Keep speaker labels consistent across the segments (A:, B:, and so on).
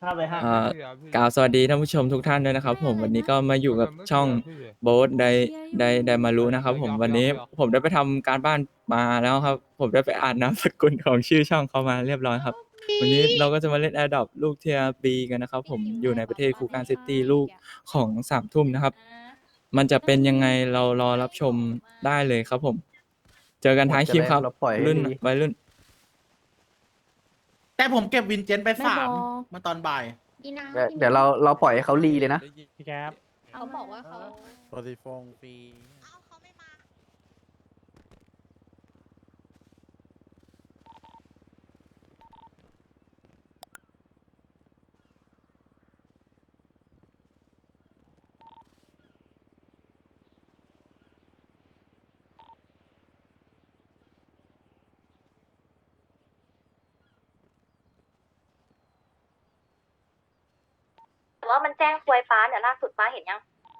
A: ถ้าไปห้าง
B: เอ่อกล่าวสวัสดีท่านผู้ชมทุกท่านด้วยนะครับผมวันนี้ก็มาอยู่กับช่องโบ๊ทไดมารุนะครับผมวันนี้ผมได้ไปทำการบ้านมาแล้วครับผมได้ไปอ่านนามสกุลของชื่อช่องเขามาเรียบร้อยครับวันนี้เราก็จะมาเล่นแอร์ดรอปลูกเทียบีกันนะครับผมอยู่ในประเทศคูการซิตี้ลูกของ3 ทุ่มนะครับมันจะเป็นยังไงเรารอรับชมได้เลยครับผมเจอกันท้ายคลิปครับ
C: เราปล่อยให้
B: รุ่น
C: ดี
B: วัยรุ่น
D: แต่ผมเก็บวินเจนไป
E: ไม่บอก
D: 3มาตอนบ่าย
E: ดีนะ
C: เดี๋ยวเราปล่อยให้เขารีเลยนะ
F: พี่แก๊ป
E: เขาบอกว่าเขา
F: โปรติฟงฟรี
G: ว่ามันแจ้งควยฟ้าเนี่ยล่าสุดฟ้าเห็นยัง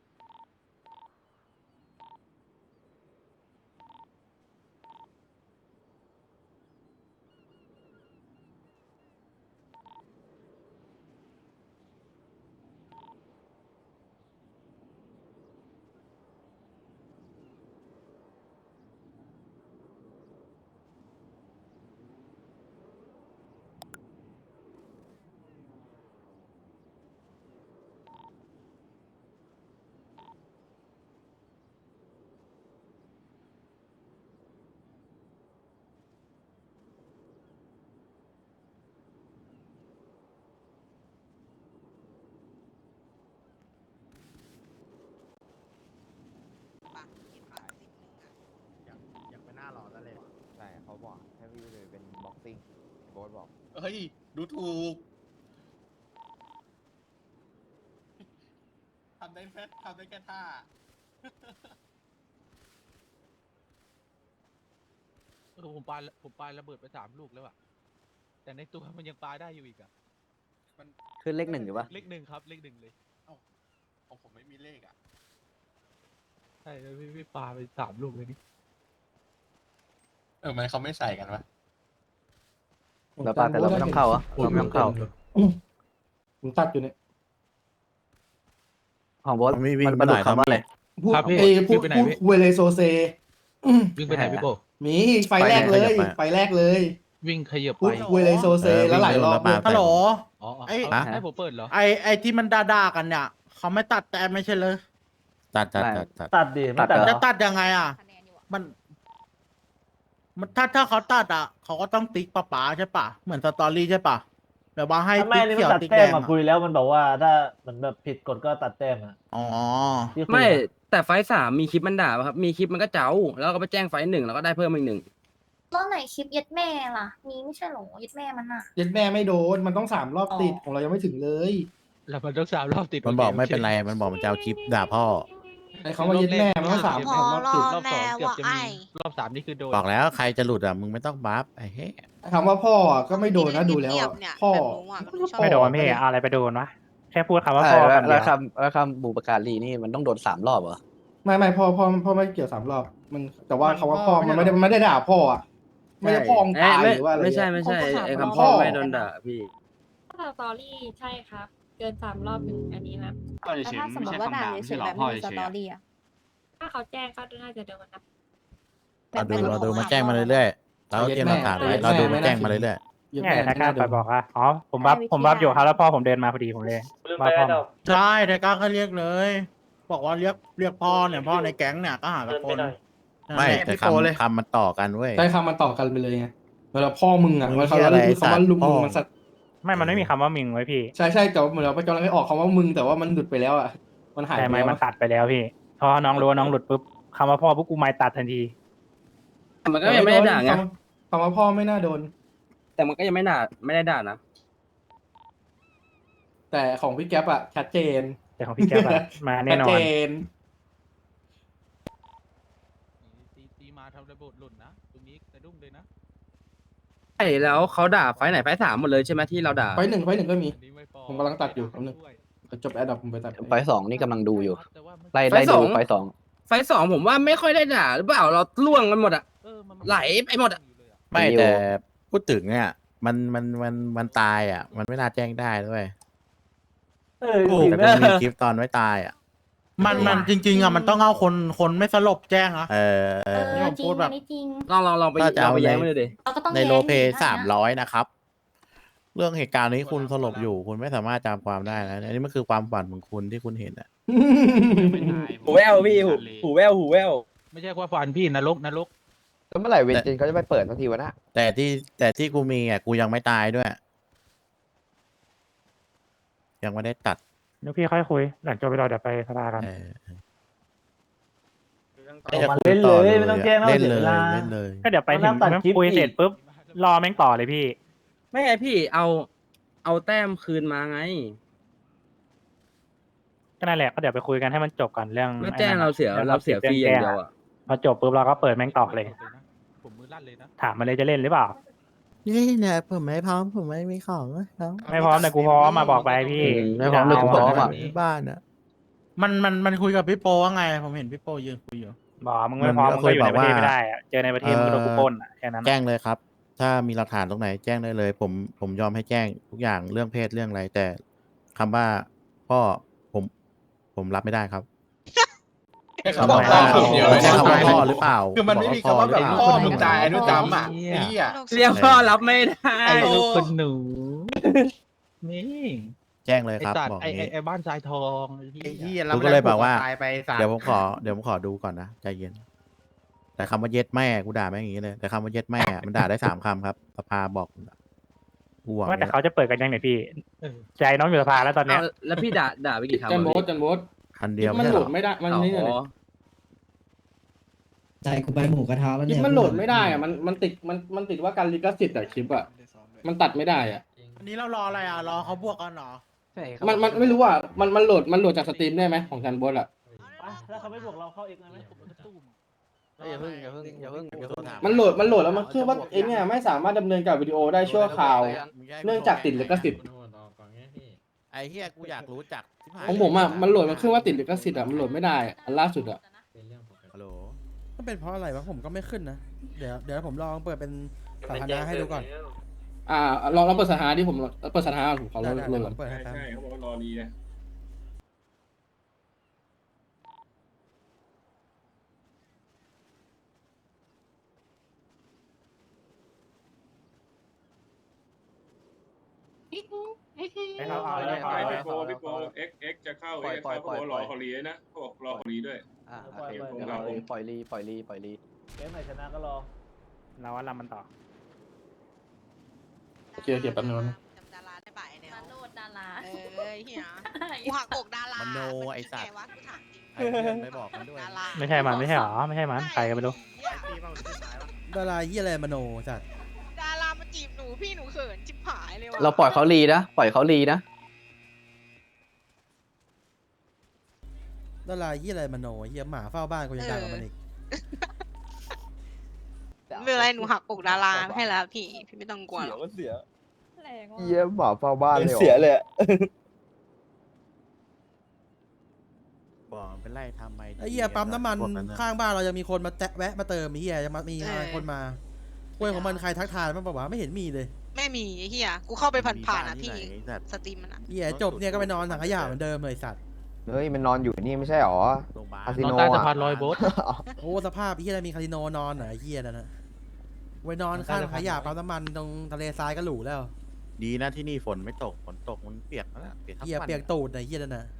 D: อยากไปหน้าหล่อแล้วเลย
H: ใช่เขาบอกให้พี่เลยเป็นบ็อกซิ่งโบ๊ทบอก
D: เฮ้ย ดูถูกทำได้แค่ท่า
F: ผมปาระเบิดไป3 ลูกแล้วอะแต่ในตัวมันยังปาได้อยู่อีกอะ
C: ขึ้นเลข 1อยู่ปะ
F: เลข 1ครับเลข 1เลย
D: ของผมไม่มีเลขอ่ะ
F: ใช่แล้วพี่ปาไป3 ลูกเลยนี่
D: มันเขาไม่ใส่กันวะ
C: เราปาแต่เราไม่ต้องเข้าอ่ะเราไม่ต้องเข้า
A: ผมตัดอยู่เนี่ย
C: ของโบอส
F: มีวิ่ง
C: มัน
F: ไปไหน
C: คำว่าอะไร
A: พูด
F: ครับพี่
A: พูด
F: วิ่งไปไหน
A: พูด
F: พี่
A: เวเลโซเซ
F: วิ่งไปไหนพี่โบ
A: มีไฟแรกเลยไฟแรกเลย
F: วิ่งขยับ
A: พู
F: ไป
A: ดเวเลโซเซแล้วหลายรอบเลย
D: ฮัลโหล
F: อ๋อ
D: ไอ้
F: ให้ผมเปิดเหรอ
D: ไอ้ที่มันด่าๆกันเนี่ยเขาไม่ตัดแต่ไม่ใช่เลย
C: ตัด
A: ตัดดิไม่ตัด
C: ตัดเหรอ
D: จะตัดยังไงอ่ะ
E: คะแนนอยู่อะ
D: มันถ้าเขาตัดอ่ะเขาก็ต้องติ๊กป๋าใช่ปะเหมือนสตอรี่ใช่ปะแบบว่าให้
A: ไม่
D: ติ๊ก
A: นี่
D: เขี
A: มั
D: ย
A: น
D: ว
A: ตัด
D: ติ๊ก
A: แต้
D: แด
A: ม
D: ง
A: มา
D: อะ
A: คุยแล้วมันบอกว่าถ้ามันแบบผิดกฎก็ตัดแต้มอ่ะ
D: อ๋อ
A: ที่คุย
I: ไม่
A: อะ
I: แต่ไฟท์3มีคลิปมันด่าป่ะครับมีคลิปมันก็เจ้าแล้วก็ไปแจ้งไฟท์1แล้วก็ได้เพิ่มอีก 1
G: แล้วไหนคลิปยัดแม่ล่ะ มีไม่ใช่หรอยัดแม่มันอ่ะ
A: ยัดแม่ไม่โดนมันต้อง3 รอบติดของเรายังไม่ถึงเลย
F: แล้วมันต้อง3 รอบติด
J: มันบอกไม่เป็นไร มันบอกมันจะเอาคลิปด่าพ่อ
A: ไอ้คำว่ายัดแม่มันต้องสาม
F: ร
A: รอบติด
F: อบ2เกือบจะมีรอบ3นี่คือโดน
J: บอกแล้วใครจะหลุดอ่ะ มึงไม่ต้องบัฟไอ้เฮ้ย
A: คำว่าพ่ออะก็ไม่โดนนะดูแล้วอะพ่อ
F: ไม่โดนพี่อะไรไปโดนวะแค่พูดคำว่า
C: ใช่
F: พ่อ
C: แล้ว
F: คำเดี
C: แล้
F: ยว ว
C: คำบุปการีนี่มันต้องโดน3 รอบเหรอ
A: ไม่พ่อไม่เกี่ยว3 รอบมันแต่ว่าคำว่าพ่อมันไม่ได้ด่าพ่ออ่ะไม่ได้พ่อมึงตายหรือว่าอะไร
I: ไม่ใช่
A: เงี้ย
I: ไม่ใช่
G: เขาก็ถาม
I: ไอ้
G: ว่า
I: คำพ่อ
A: พ่อ
I: ไม่โดนด่าพี่
K: ถ้าสตอรี่ใช่ครับ เกิน3 รอบถึงอันนี้นะ
E: แล้วถ้าสมมติว่าด่าเฉยๆแบบไม่มีสตอรี่อะ
K: ถ้าเขาแจ้งก็น่าจะโดนนะ
J: เราดูมาแจ้งมาเรื่อยๆ เราเตรียมหลักฐานไว้เราดูมาแจ้งมาเรื่อย
A: ยัด
F: เนี่ย
A: แม่
F: ถ้ากล้า
A: ไม่
F: ไป
A: น่าโดน
F: บอกว่าอ๋อผมบัฟอยู่ครับแล้วพ่อผมเดินมาพอดีผมเลยว่าพ่อ
D: ใช่แต่ก้าก็เรียกเลย บอกว่าเรียกพ่อเนี่ยพ่อในแก๊งเนี่ยก็หากับคน
J: ๆ ไม่แต่
D: พี่โตเลย
J: คำมันต่อกันเว้ย
A: ได้คำมาต่อกันไปเลยไงเวลาพ่อมึงอ่ะ
J: มึง
A: มัน
J: เหี้
A: เขา
J: ยอะไร
A: คือคำว่าลุง
J: สัตว์
A: มึง
J: พ่อ
A: มันสัตว์
F: ไม่มันไม่มีคำว่ามิงไว้พี่
A: ใช่แต่ว่าเหมือนเราไปกำลังให้ออกคำว่ามึงแต่ว่ามันหลุดไปแล้วอ่ะมันหาย
F: แต่
A: ไป
F: ไม่
A: แล้ว
F: มันตัดไปแล้วพี่พอน้องรู้ว่าน้องหลุดปุ๊บคำว่าพ่อปุ๊บกูไม่ตัดทันที
I: แต่มันก็ยังไม่ได้ด่าไง
A: คำว่าพ่อไม่น่าโดน
I: แต่มันก็ยังไม่ได้ด่านะ
A: แต่ของพี่แก๊ปอ่ะชัดเจน
F: แต่ของพี่แก๊ปอะมาแน่นอ
A: ชัด
F: น
A: เจน
F: ตีมาทำระเบิดหล่นนะตรงนี้สะดุ้งเลยนะ
I: ใช่แล้วเขาด่าไฟท์ไหนไฟท์3หมดเลยใช่ไหมที่เราด่า
A: ไฟหนึ่งก็มี
F: อันนี้ไม่พอ
A: ผมกำลังตัดอยู่แป๊บนึง จบแอดดับผมไปตัด
C: ไฟสองนี่กำลังดูอยู่
F: แต่ว่ามัน
C: ไล่ดูไฟ 2
I: ไฟท์2ผมว่าไม่ค่อยได้ด่าหรือเปล่าเราล่วงกันหมดอะ
F: มัน
I: ไหลไปหมดอะ
J: ไม่แต่พูดถึงเนี่ยมันตายอ่ะ มันไม่น่าแจ้งได้ด้วยแต่กูมีคลิปตอนไม่ตายอ่ะ
D: มันจริงๆอ่ะมันต้องเอาคนไม่สลบแจ้งนะ นี่ผม
E: จริ
D: พู
E: ง
D: ดแบบ
E: อันนี้จริง
I: ลองไป
J: ก็จะ
I: ลอง
J: เอา
I: ไป
J: ใน
I: แย้งมันเลยดิ
E: เราก็ต้อง
J: ใน
E: แย้ง
J: โลเป
E: อีกนะ
J: 300นะครับ เรื่องเหตุการณ์นี้คุณสลบอยู่ คุณไม่สามารถจำความได้นะอันนี้มันคือความฝันของคุณที่คุณเห็นอ่ะ
I: หูแววพี่หูแวว
F: ไม่ใช่ว่าฟันพี่นรก
H: แล้วเมื่อไหร่เวนจินเขาจะไปเปิดสักทีวะนะ
J: แต่ที่กูมีอ่ะกูยังไม่ตายด้วย ยังไม่ได้ตัด
D: เดี๋ยวพี่ค่อยคุยหลังจบไปเราเดี๋ยวไปสภากัน
J: จะคุยต่อเลยไม่ต้องแจ้งเล่นเลยเล่นเลย
D: ก็เดี๋ยวไปถึงคุยเสร็จปุ๊บรอแม่งต่อเลยพี่
I: ไม่ไงพี่เอาแต้มคืนมาไง
D: ก็นั่นแหละก็เดี๋ยวไปคุยกันให้มันจบก่อนเรื่อง
I: แล้วแจ้งเราเสียฟรีอย่างเดียวอ่ะ
D: พอจบปุ๊บเราก็เปิดแม่งต่อเลย
F: ผมมือลั่นเลยนะ
D: ถามมาเลยจะเล่นหรือเปล่า
J: นี่เนี่ยผมไม่พร้อมผมไม่มีของแล้ว
D: ไม่พร้อมแต่กูพร้อมมาบอกไปพี่
C: ไม่พร้อมเลยกูพร้อมอ่ะ
J: ที่บ้านอ่ะ
D: มันคุยกับพี่โปว่าไงผมเห็นพี่โปยืนคุยอยู่บอกมึงไม่พร้อม
J: มัน
D: มึ
J: ก็
D: งก็อยู่ในประเทศ
J: เคยบอกว่า
D: ไม่ได้อะเจอในประเทศมึงก็โดนกูปล้นอ่ะแค่นั้น
J: แจ้งเลยครับ ถ้ามีหลักฐานตรงไหนแจ้งได้เลย ผมยอมให้แจ้งทุกอย่างเรื่องเพศเรื่องอะไร แต่คำว่าพ่อผมรับไม่ได้ครับ
A: เขาบอกว่า
J: ใช้คำว่าพ่อหรือเปล่า
A: คือมันไม่มีคำว่าแบบพ่อมึงตายอนุจำอ่ะไอ้เหี้ย
I: เรียกพ่อรับไม่ได้
F: ไอ้ลูกคนหนู นี่
J: แจ้งเลย
F: ไอ้
J: ครับ
F: สัต
J: บอ
F: ว์
J: ก
F: ไอ้
J: นี้
F: ไอ้บ้านทรายทองไอ้
D: ไอ้
F: เหี้
D: เหี้
F: ย
D: ย
J: กูก็เลยบอกว่า
D: ตายไปสัต
J: เดี๋ยวผมขอดูก่อนนะใจเย็น แต่คำว่าเย็ดแม่กูด่าแม่งอย่างนี้เลย แต่คำว่าเย็ดแม่มันด่าได้3 คำครับสภาบอกกูหวัง
D: ว่าแต่เขาจะเปิดกันยังไงพี่
F: เออ
D: ใจน้องอยู่สภาแล้วตอนเนี้ย
I: เอาแล้วพี่ด่าไปกี่คำ
A: จันโบ
I: อะ
A: สจันโบส
J: คันเดียว
A: มัน
J: ใช่
A: โห
J: เห
A: ล
J: รอ
A: ดไม่ได้มันนี่
I: อ๋อ
L: ใจกูไปหมูกระทะแล้ว
A: คลิ
L: เนี่
A: ป
L: ย
A: มันโหลดไม่ได้อ่ะมันติดว่าการลิขสิทธิ์อะคลิปอ่ะมันตัดไม่ได้อ่ะ
D: อันนี้เรารออะไรอ่ะรอเขาบวกกันเหรอ
H: ใช่ครับ
A: มันไม่รู้อ่ะมันโหลดจากสตรีมได้ไหมของจันโบสอ่ะ
D: แล้วเขาไม่บวกเราเข้าเองไหม
H: อย่าเพิ่ง
A: มันโหลดแล้วมันคือว่าไอ้เนี่ยไม่สามารถดำเนินกับวิดีโอได้ชั่วคราว เนื่องจากติดลิขสิทธิ์
J: ไอ้เฮียกูอยากรู้จักที่ผ่าน
A: ของผมอ่ะมันโหลดมันขึ้นว่าติดลิขสิทธิ์อ่ะมันโหลดไม่ได้อะอันล่าสุดอ่ะ
J: ฮัลโหล
L: ก็เป็นเพราะอะไรวะผมก็ไม่ขึ้นนะ เดี๋ยวผมลองเปิดเป็นสาธารณะให้ดูก่อน
A: ลองเปิดสถานะที่ผมเปิดสถานะผมขอโหล
L: ได้
A: ด
L: ๆ
A: ก่อน
L: ผมเปิดให้แป๊บ
F: เขาบอกว่ารอดีนะ
D: ให้เขาเอาแล้วเขาเอาแล้ว
F: พี่โปเอ็กจะเข้าเอ็กเขาบอกรอเขาลีนะเขาบอกรอเขาลีด้วย
H: ปล่อยลี
D: เกมไหนชนะก็รอเราว่าลำมันต่อ
A: เกียร์แป๊บนึงนะ
E: จำดาราได้บ่ายเนี่ย
G: มาโนดดารา
E: เฮียกูหักอกดาราม
J: โนไอ้สัตว์
E: วะกูถามจริง
J: ไอ้เพื่อนไม่บอกมันด้วย
E: ดารา
D: ไม่ใช่มันไม่ใช่หรอไม่ใช่มันใครก็ไม่รู้
L: ดาราเหียอะไรมโนจัด
E: ดารามาจีบหนูพี่หนูเขินจิบหายเลยว่ะ
C: เราปล่อยเขาลีนะปล่อยเขาลีนะ
L: ดาราเหียอะไรมโนเหียหมาเฝ้าบ้านกูยังดังกว่ามันอีก
E: ไม่เป็นไรหนูหักอกดาราให้แล้วพี่ไม่ต้องกลัวหรอก
H: เยี่ยมหมาเฝ้าบ้านเลยเสียเลย
J: บอกมันเป็นไรทำไม
L: ไอ้เหี้ยปั๊มน้ำมัน
J: พวกอะ
L: ข้างบ้านเรายังมีคนมาแวะมาเติมไอ้เหี้ยจะมีคนมาเว้ยของมันใครทักทายมันบอกว่าไม่เห็นมีเลย
E: ไม่มีไอ้เฮียกูเข้าไปผ่านๆอ่ะ
J: มี
E: พี่
J: บ้ที่ไหนไอ้สัตว์
E: สตรีมมันอ่ะ
L: เหี้ยจบเนี่ยก็ไปนอนถังขยะเหมือนเดิมเลยสัตว์
H: เฮ้ยมันนอนอยู่นี่ไม่ใช่หรอ
J: โรงพยาบาล
H: คาสิ
F: น
H: โ
F: อนใต้สะพานลอยโบ๊ท
L: โอ้สภาพไอ้เหี้ยอะไรมีคาสิโนนอนเหรอไอ้เหี้ยนั่นนะไว้นอนข้างถังขยะปั๊มน้ำมันตรงทะเลทรายก็หรูแล้ว
J: ดีนะที่นี่ฝนไม่ตกฝนตกมันเปียกแล้วนะเปียกทั้ง
L: เหี้ย
J: วัน
L: เปียกตูดไอ้เหี้ยนั่นน่ะ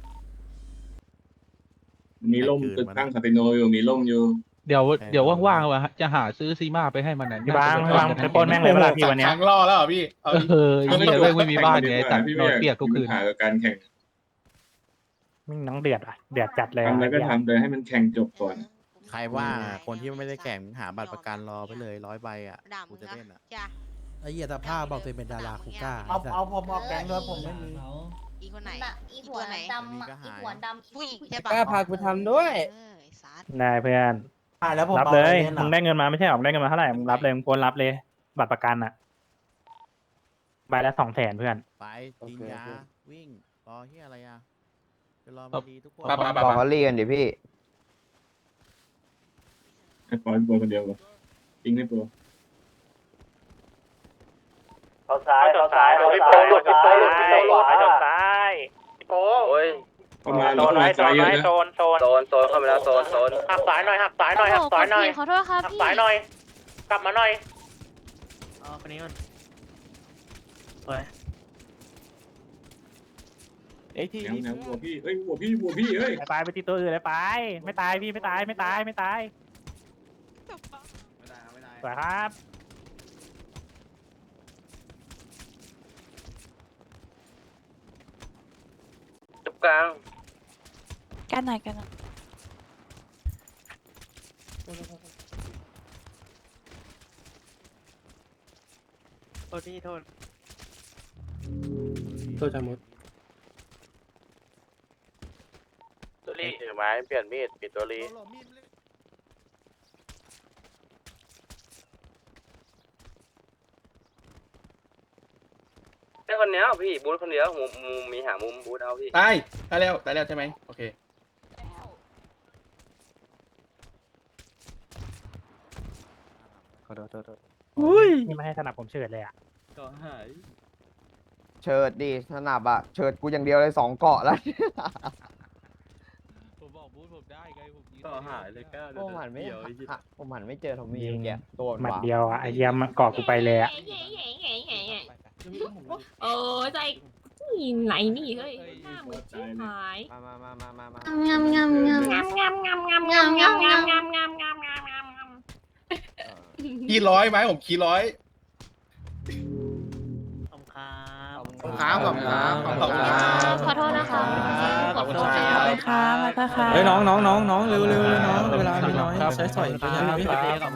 F: มีร่มตึกตั้งคาสิโนอยู่มีร่มอยู่ เดี๋ยวว่างๆว่ะจะหาซื้อซีมาไปให้มันนะ
D: พี่บางไปปล้นแม่งเลยเวลาพี่วันเนี้ย
A: ครั้งล่อแล้วเหรอพี่
F: ไม่มีบ้านไงแต่นอนเปียกทุกคืน
A: หาการแข่ง
D: มึงน้องเดือดอ่ะเดือดจัดเลย
A: ทำแล้วก็ทำเลยให้มันแข่งจบก่อน
J: ใครว่าคนที่ไม่ได้แข่งหาบัตรประกันรอไปเลย100 ใบอ่ะ
E: ด่า
J: กู
E: มึง
J: จะ
E: นะ
J: เล่นอ่ะ
E: จ้ะ
L: ไอ้เหี้ยสภาพบอกตัวเองเป็นดาราคูก้า
D: เอาผมเอาแก๊งด้วยผมไม่มี
E: อีคนไหน
G: อีหัวดำอ่ะอีหัวดำ
E: ผู้หญิงใช่ปะ
C: กล้าพากูทำด้วย
E: ไอ้สัตว์
D: ได้เพื่อน แล้วผม รับเลยมึงได้เงินมาไม่ใช่หรอมึงได้เงินมาเท่าไหร่มึงรับเลยมึงควรรับเลย บัตรประกันอ่ะใบละ200,000เพื่อน
J: ไปกินยาวิ่งรอเฮียอะไรอ่ะจะรอ
F: ครั
J: มา
F: บ
J: ดีทุกคน
H: บอกเขาลีกันดิพี่
A: ไอ้ปอยคนเดียวกันจริงไม่ปอย
D: ซ้ายพี่โป้หลุดพี่โป้หลุดพี่โป้หลุดซ้าย
C: โอ้ย
D: โซนไว้โซนไว้โซน
C: โซนเข้าไปแล้วโซน
D: หักสายหน่อยหักสายหน่อยหักสายหน่อย
K: ขอโทษครับ
D: หัก
K: พี่
D: สายหน่อย กลับมาหน่อย
C: คนนี้มัน
D: หัวพี่เฮ้ยไปตีตัวอื่นเลยไปไม่ตายพี่ไม่ตายสวยครับ
C: จุบกลาง
K: กันหน่อยกันหน่อย
C: โทษพี่โทษ
A: ตัวจมุด
C: ตัวรีถือไม้เปลี่ยนมีดปิดตัวรี แค่คนเนี้ยพี่บูธคนเดียวมุมมีหามุมบูธเอาพี่
A: ตายแล้วใช่ไหมโอเค
C: ขอโทษ
D: นี่ไม่ให้สนับผมเฉิดเลยอ่ะ
I: ก็หาย
H: เชิดดิสนับอะเชิดกูอย่างเดียวเลย2 เกาะแล้ว
F: ผมบอกบูธผมได้ไงผมยืน
I: ก็หายเลยก้า
H: ผมหันไม่เจอทอมมี่แกโดน
D: หมัด
H: ว่ะ
D: เดียวอ่ะไอ้เหี้ยมันเกาะกูไปเลยอ่ะ
K: โอ้ใจไหนนี่เฮ้ยหน้ามือชิบหาย
H: มา
K: งามงามงามงามงามงามงามงามงามงามงามงามงามงามงามงาม
A: คีร้อยไหมผมคีร้อย
C: ขอบครับ
A: ขอบคุณครับขอบคุณครับขอบคุณครับ
K: ขอโทษนะคะ
A: ขอบคุณครับ
K: ขอบคุณค่ะแล้วก็ค่ะ
B: เฮ้ยน้องเร็วเลยน้องเวลามีน้อยใช้สอยพยายามพี่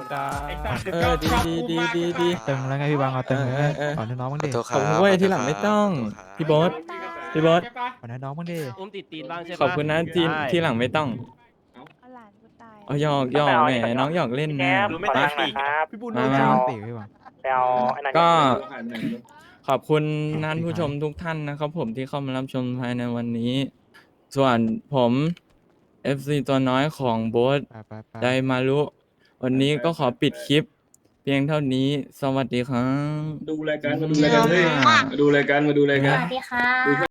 B: ดี
D: ตึงแล้วไงพี่บางเอาตึง
B: ขอ
D: น้องมึงดิ
B: ขอบคุณเว้ยที่หลังไม่ต้องพี่โบ๊ท
D: ขอน้องมึงดิ
I: อุ้มติดตีนบ้างใช่ปะ
B: ขอบคุณนะที่หลังไม่ต้อง
K: หลานกูตาย
B: เอาหยอกแหมน้องหยอกเล่นนะ
D: ไม่ตายครับพี่บุญ
B: มา
D: ไปเอาไอ้นั่น
B: ก็ขอบคุณท่านผู้ชมทุกท่านนะครับผมที่เข้ามารับชมภายในวันนี้ ส่วนผม FC ตัวน้อยของโบ๊ทไดมารุวันนี้ก็ขอปิดคลิป เพียงเท่านี้สวัสดีครับ
A: ดูรายการมาดูรายการ
K: สวัสดีค่ะ